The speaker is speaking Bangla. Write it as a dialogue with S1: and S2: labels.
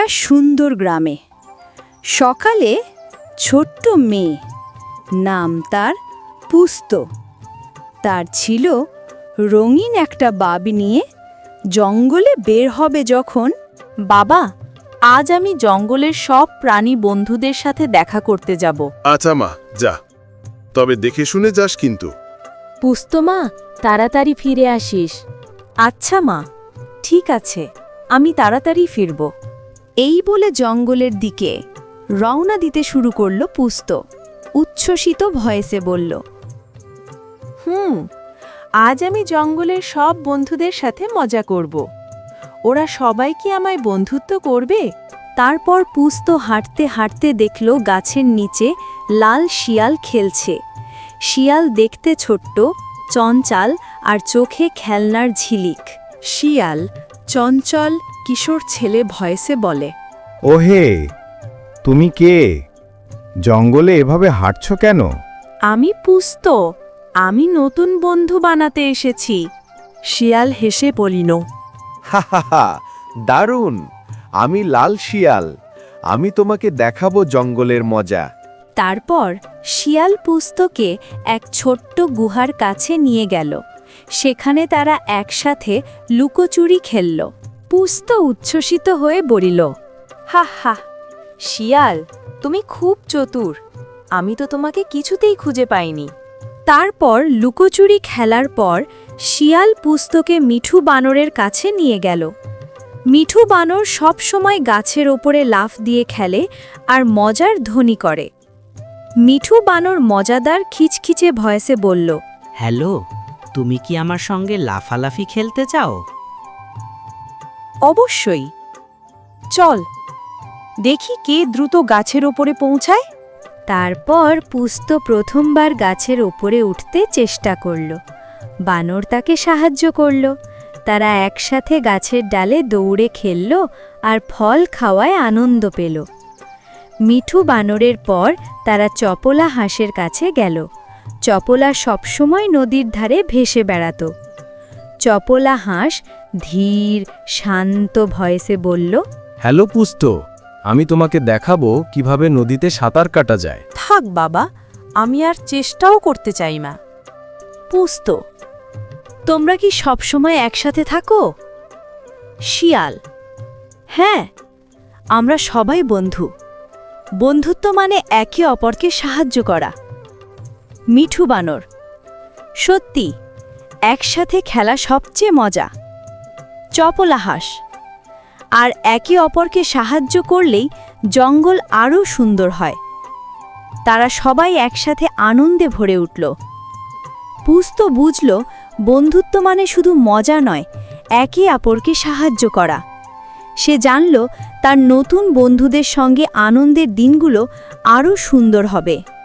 S1: সুন্দর গ্রামে সকালে ছোট্ট মেয়ে, নাম তার পুস্ত। তার ছিল রঙিন একটা বাবি নিয়ে জঙ্গলে বের হবে যখন।
S2: বাবা, আজ আমি জঙ্গলের সব প্রাণী বন্ধুদের সাথে দেখা করতে যাব।
S3: আচ্ছা মা, যা, তবে দেখে শুনে যাস কিন্তু।
S2: পুস্ত মা, তাড়াতাড়ি ফিরে আসিস। আচ্ছা মা, ঠিক আছে, আমি তাড়াতাড়ি ফিরব।
S1: এই বলে জঙ্গলের দিকে রওনা দিতে শুরু করল পুস্ত। উচ্ছ্বসিত ভয়েসে বলল,
S2: আজ আমি জঙ্গলের সব বন্ধুদের সাথে মজা করব। ওরা সবাই কি আমায় বন্ধুত্ব করবে?
S1: তারপর পুস্ত হাঁটতে হাঁটতে দেখল গাছের নিচে লাল শিয়াল খেলছে। শিয়াল দেখতে ছোট্ট, চঞ্চল আর চোখে খেলনার ঝিলিক। শিয়াল চঞ্চল কিশোর ছেলে ভয়েসে বলে,
S4: ওহে, তুমি কে? জঙ্গলে এভাবে হাঁটছো কেন?
S2: আমি পুস্ত, আমি নতুন বন্ধু বানাতে এসেছি।
S1: শিয়াল হেসে বলিল,
S5: হা হা হা, দারুণ! আমি লাল শিয়াল, আমি তোমাকে দেখাবো জঙ্গলের মজা।
S1: তারপর শিয়াল পুস্তকে এক ছোট্ট গুহার কাছে নিয়ে গেল। সেখানে তারা একসাথে লুকোচুরি খেলল। পুস্ত উচ্ছ্বসিত হয়ে বলিল,
S2: হা হা, শিয়াল, তুমি খুব চতুর। আমি তো তোমাকে কিছুতেই খুঁজে পাইনি।
S1: তারপর লুকোচুরি খেলার পর শিয়াল পুস্তকে মিঠু বানরের কাছে নিয়ে গেল। মিঠু বানর সব সময় গাছের ওপরে লাফ দিয়ে খেলে আর মজার ধ্বনি করে। মিঠু বানর মজাদার খিচখিচে ভয়েসে বলল,
S6: হ্যালো, তুমি কি আমার সঙ্গে লাফালাফি খেলতে চাও?
S2: অবশ্যই, চল দেখি কে দ্রুত গাছের ওপরে পৌঁছায়।
S1: তারপর পুস্ত প্রথমবার গাছের ওপরে উঠতে চেষ্টা করল। বানর তাকে সাহায্য করল। তারা একসাথে গাছের ডালে দৌড়ে খেলল আর ফল খাওয়ায় আনন্দ পেল। মিঠু বানরের পর তারা চপলা হাঁসের কাছে গেল। চপলা সবসময় নদীর ধারে ভেসে বেড়াত। চপলা হাঁস ধীর শান্ত ভয়েসে বলল,
S4: হ্যালো পুস্ত, আমি তোমাকে দেখাবো কিভাবে নদীতে সাঁতার কাটা যায়।
S2: থাক বাবা, আমি আর চেষ্টাও করতে চাই না।
S1: পুস্ত, তোমরা কি সবসময় একসাথে থাকো? শিয়াল, হ্যাঁ, আমরা সবাই বন্ধু। বন্ধুত্ব মানে একে অপরকে সাহায্য করা। মিঠু বানর, সত্যি, একসাথে খেলা সবচেয়ে মজা। চপলা হাঁস, আর একে অপরকে সাহায্য করলেই জঙ্গল আরও সুন্দর হয়। তারা সবাই একসাথে আনন্দে ভরে উঠল। পুস্ত বুঝল, বন্ধুত্ব মানে শুধু মজা নয়, একে অপরকে সাহায্য করা। সে জানল তার নতুন বন্ধুদের সঙ্গে আনন্দের দিনগুলো আরও সুন্দর হবে।